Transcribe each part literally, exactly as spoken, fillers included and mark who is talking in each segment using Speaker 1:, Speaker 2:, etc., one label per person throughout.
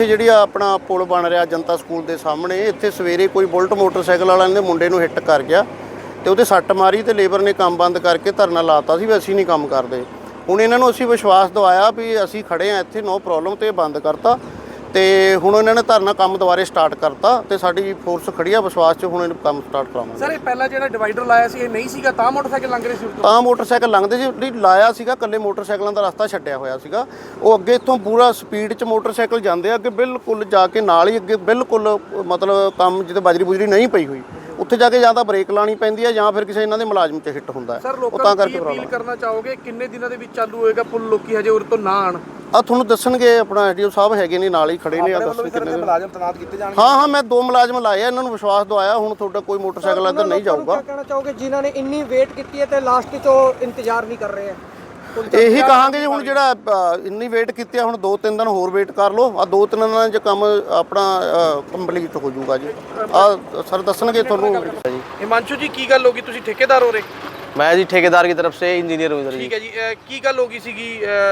Speaker 1: ਜਿਹੜੀ ਆਪਣਾ ਪੁਲ ਬਣ ਰਿਹਾ ਜਨਤਾ ਸਕੂਲ ਦੇ ਸਾਹਮਣੇ, ਇੱਥੇ ਸਵੇਰੇ ਕੋਈ ਬੁਲਟ ਮੋਟਰਸਾਈਕਲ ਵਾਲਾ ਨੇ ਮੁੰਡੇ ਨੂੰ ਹਿੱਟ ਕਰ ਗਿਆ ਤੇ ਉਹਦੇ ਸੱਟ ਮਾਰੀ ਤੇ ਲੇਬਰ ਨੇ ਕੰਮ ਬੰਦ ਕਰਕੇ ਧਰਨਾ ਲਾਤਾ ਸੀ ਵੀ ਅਸੀਂ ਨਹੀਂ ਕੰਮ ਕਰਦੇ। ਹੁਣ ਇਹਨਾਂ ਨੂੰ ਅਸੀਂ ਵਿਸ਼ਵਾਸ ਦਿਵਾਇਆ ਵੀ ਅਸੀਂ ਖੜੇ ਆ ਇੱਥੇ, ਨੋ ਪ੍ਰੋਬਲਮ, ਤੇ ਬੰਦ ਕਰਤਾ ਤੇ ਹੁਣ ਇਹਨਾਂ ਨੇ ਧਰਨਾ ਕੰਮ ਦੁਬਾਰੇ ਸਟਾਰਟ ਕਰਤਾ ਤੇ ਸਾਡੀ ਫੋਰਸ ਖੜੀ ਆ ਵਿਸ਼ਵਾਸ 'ਚ, ਹੁਣ ਇਹਨੂੰ ਕੰਮ ਸਟਾਰਟ ਕਰਾਵਾਂਗੇ।
Speaker 2: ਸਰ ਇਹ ਪਹਿਲਾਂ ਜਿਹੜਾ ਡਿਵਾਈਡਰ ਲਾਇਆ ਸੀ ਇਹ ਨਹੀਂ ਸੀਗਾ ਤਾਂ ਮੋਟਰਸਾਈਕਲ ਲੰਘ ਰਹੇ ਸੀ ਉਦੋਂ?
Speaker 1: ਤਾਂ ਮੋਟਰਸਾਈਕਲ ਲੰਘਦੇ ਸੀ, ਜਿਹੜੀ ਲਾਇਆ ਸੀਗਾ ਇਕੱਲੇ ਮੋਟਰਸਾਈਕਲਾਂ ਦਾ ਰਸਤਾ ਛੱਡਿਆ ਹੋਇਆ ਸੀਗਾ। ਉਹ ਅੱਗੇ ਇੱਥੋਂ ਪੂਰਾ ਸਪੀਡ 'ਚ ਮੋਟਰਸਾਈਕਲ ਜਾਂਦੇ ਆ ਅੱਗੇ, ਬਿਲਕੁਲ ਜਾ ਕੇ ਨਾਲ ਹੀ ਅੱਗੇ ਬਿਲਕੁਲ ਮਤਲਬ ਕੰਮ ਜਿੱਥੇ ਬਜਰੀ ਬੁਜਰੀ ਨਹੀਂ ਪਈ ਹੋਈ ਉੱਥੇ ਜਾ ਕੇ ਜਾਂ ਤਾਂ ਬ੍ਰੇਕ ਲਾਣੀ ਪੈਂਦੀ ਹੈ ਜਾਂ ਫਿਰ ਕਿਸੇ ਇਹਨਾਂ ਦੇ ਮੁਲਾਜ਼ਮ 'ਚ ਹਿੱਟ ਹੁੰਦਾ ਹੈ।
Speaker 2: ਸਰ ਲੋਕਾਂ ਨੂੰ ਕੀ ਅਪੀਲ ਕਰਨਾ ਚਾਹੋਗੇ, ਕਿੰਨੇ ਦਿਨਾਂ ਦੇ ਵਿੱਚ ਚਾਲੂ ਹੋਏਗਾ ਪੁਲ? ਲੋਕੀ ਹਜੇ ਉਰੇ ਤੋਂ ਨਾ ਆਣ
Speaker 1: ਆ ਤੁਹਾਨੂੰ ਦੱਸਣਗੇ, ਆਪਣਾ ਐਡੀਓ ਸਾਹਿਬ ਹੈਗੇ ਨੇ ਨਾਲ ਹੀ ਖੜੇ ਨੇ। ਆ ਦੱਸਣ ਕਿੰਨੇ
Speaker 2: ਮੁਲਾਜ਼ਮ ਤੈਨਾਤ ਕੀਤੇ ਜਾਣਗੇ?
Speaker 1: ਹਾਂ ਹਾਂ ਮੈਂ ਦੋ ਮੁਲਾਜ਼ਮ ਲਾਏ ਆ, ਇਹਨਾਂ ਨੂੰ ਵਿਸ਼ਵਾਸ ਦਵਾਇਆ ਹੁਣ ਤੁਹਾਡਾ ਕੋਈ ਮੋਟਰਸਾਈਕਲ ਇੱਧਰ ਨਹੀਂ ਜਾਊਗਾ।
Speaker 3: ਕੀ ਕਹਿਣਾ ਚਾਹੋਗੇ ਜਿਨ੍ਹਾਂ ਨੇ ਇੰਨੀ ਵੇਟ ਕੀਤੀ ਹੈ ਤੇ ਲਾਸਟ 'ਚ ਉਹ ਇੰਤਜ਼ਾਰ ਨਹੀਂ ਕਰ ਰਹੇ ਆ?
Speaker 1: ਇਹੀ ਕਹਾਂਗੇ ਜੀ ਹੁਣ ਜਿਹੜਾ ਇੰਨੀ ਵੇਟ ਕੀਤੀ ਆ, ਹੁਣ ਦੋ ਤਿੰਨ ਦਿਨ ਹੋਰ ਵੇਟ ਕਰ ਲਓ। ਆ ਦੋ ਤਿੰਨ ਦਿਨਾਂ 'ਚ ਕੰਮ ਆਪਣਾ ਕੰਪਲੀਟ ਹੋ ਜਾਊਗਾ ਜੀ। ਆ ਸਰ ਦੱਸਣਗੇ ਤੁਹਾਨੂੰ।
Speaker 2: हिमांशु जी की गल होगी, तुसी ठेकेदार हो रहे?
Speaker 4: मैं जी ठेकेदार की तरफ से इंजीनियर हूँ इधर।
Speaker 2: ठीक है जी, की गल होगी सीगी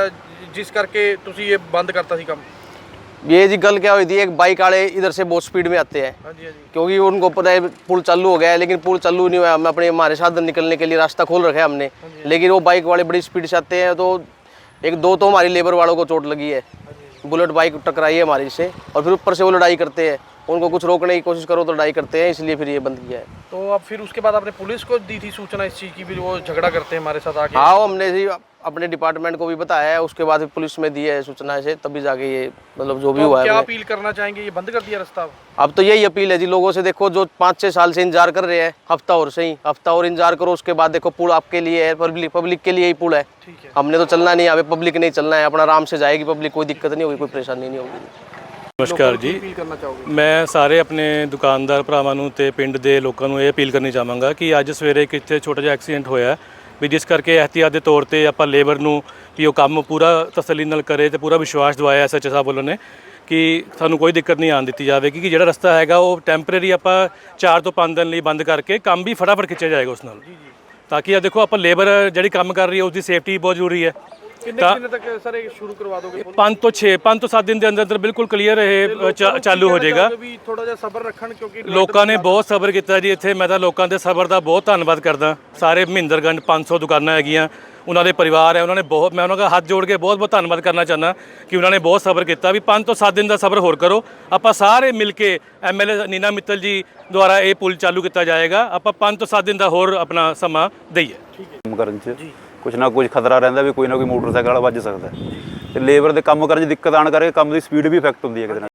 Speaker 2: जिस करके तुसी ये बंद करता सी काम?
Speaker 4: ये जी गल क्या हुई थी, एक बाइक वाले इधर से बहुत स्पीड में आते हैं।
Speaker 2: हाँ जी हाँ जी।
Speaker 4: क्योंकि उनको पता है पुल चालू हो गया है, लेकिन पुल चालू नहीं हुआ। हम अपने हमारे साधन निकलने के लिए रास्ता खोल रखा है हमने, लेकिन वो बाइक वाले बड़ी स्पीड से आते हैं। तो एक दो तो हमारी लेबर वालों को चोट लगी है, बुलेट बाइक टकराई है हमारी से, और फिर ऊपर से वो लड़ाई करते हैं। उनको कुछ रोकने की कोशिश करो तो लड़ाई करते हैं, इसलिए फिर ये बंद किया है।
Speaker 2: तो अब फिर उसके बाद आपने पुलिस को दी थी सूचना इस चीज़ की, फिर वो झगड़ा करते हैं हमारे साथ आके?
Speaker 4: हाँ, हमने जी अपने डिपार्टमेंट को भी बताया है, उसके बाद पुलिस में दी है सूचना से, तभी जाके ये मतलब जो भी हुआ है।
Speaker 2: क्या अपील करना चाहेंगे, ये बंद कर दिया रास्ता?
Speaker 4: अब तो यही अपील है जी लोगों से, देखो जो पाँच छः साल से इंतजार कर रहे हैं, हफ्ता और सही हफ्ता और इंतजार करो, उसके बाद देखो पुल आपके लिए है, पब्लिक पब्लिक के लिए ही पुल है।
Speaker 2: ठीक है,
Speaker 4: हमने तो चलना नहीं है, हमें पब्लिक नहीं चलना है, अपना आराम से जाएगी पब्लिक, कोई दिक्कत नहीं होगी, कोई परेशानी नहीं होगी।
Speaker 5: ਨਮਸਕਾਰ ਜੀ, ਮੈਂ ਸਾਰੇ ਆਪਣੇ ਦੁਕਾਨਦਾਰ ਭਰਾਵਾਂ ਨੂੰ ਤੇ ਪਿੰਡ ਦੇ ਲੋਕਾਂ ਨੂੰ ਇਹ ਅਪੀਲ ਕਰਨੀ ਚਾਹਾਂਗਾ ਕਿ ਅੱਜ ਸਵੇਰੇ ਇੱਕ ਇੱਥੇ ਛੋਟਾ ਜਿਹਾ ਐਕਸੀਡੈਂਟ ਹੋਇਆ ਵੀ, ਜਿਸ ਕਰਕੇ ਇਹਤਿਆਤ ਦੇ ਤੌਰ ਤੇ ਆਪਾਂ ਲੇਬਰ ਨੂੰ ਵੀ ਉਹ ਕੰਮ ਪੂਰਾ ਤਸੱਲੀ ਨਾਲ ਕਰੇ ਤੇ ਪੂਰਾ ਵਿਸ਼ਵਾਸ ਦਿਵਾਇਆ ਐਸ ਐਚ ਓ ਸਾਹਿਬ ਵੱਲੋਂ ਨੇ ਕਿ ਸਾਨੂੰ ਕੋਈ ਦਿੱਕਤ ਨਹੀਂ ਆਉਣ ਦਿੱਤੀ ਜਾਵੇਗੀ, ਕਿ ਜਿਹੜਾ ਰਸਤਾ ਹੈਗਾ ਉਹ ਟੈਂਪਰੇਰੀ ਆਪਾਂ ਚਾਰ ਤੋਂ ਪੰਜ ਦਿਨ ਲਈ ਬੰਦ ਕਰਕੇ ਕੰਮ ਵੀ ਫਟਾਫਟ ਖਿੱਚਿਆ ਜਾਏਗਾ ਉਸ ਨਾਲ, ਤਾਂ ਕਿ ਆ ਦੇਖੋ ਆਪਾਂ ਲੇਬਰ ਜਿਹੜੀ ਕੰਮ ਕਰ ਰਹੀ ਹੈ ਉਸਦੀ ਸੇਫਟੀ ਬਹੁਤ ਜ਼ਰੂਰੀ ਹੈ।
Speaker 2: कितने दिनों तक सर ये शुरू करवा दोगे?
Speaker 5: पाँच तो छः पाँच तो सात दिन के अंदर अंदर बिल्कुल क्लीयर है चालू हो जाएगा।
Speaker 2: थोड़ा जिहा सबर रखण क्योंकि
Speaker 5: लोगों ने बहुत सबर किया जी इत्थे। मैं तो लोगों के सबर का बहुत धन्यवाद करदा। सारे मਹਿੰਦਰਗੰਜ पाँच सौ दुकानां हैगियां, उन्होंने परिवार है, उन्होंने बहुत, मैं उन्होंने हाथ जोड़ के बहुत बहुत धन्यवाद करना चाहना कि उन्होंने बहुत सबर किया भी। पाँच तो सात दिन का सबर होर करो, आप सारे मिल के M L A Neena Mittal ji द्वारा ये पुल चालू किया जाएगा। आप पाँच तो सात दिन का होर अपना समा दईए।
Speaker 6: ਕੁਛ ਨਾ ਕੁਛ ਖਤਰਾ ਰਹਿੰਦਾ ਵੀ ਕੋਈ ਨਾ ਕੋਈ ਮੋਟਰਸਾਈਕਲ ਵਾਲਾ ਵੱਜ ਸਕਦਾ ਤੇ ਲੇਬਰ ਦੇ ਕੰਮ ਕਰਨ 'ਚ ਦਿੱਕਤ ਆਣ ਕਰਕੇ ਕੰਮ ਦੀ ਸਪੀਡ ਵੀ ਇਫੈਕਟ ਹੁੰਦੀ ਹੈ ਕਿਤੇ ਨਾ।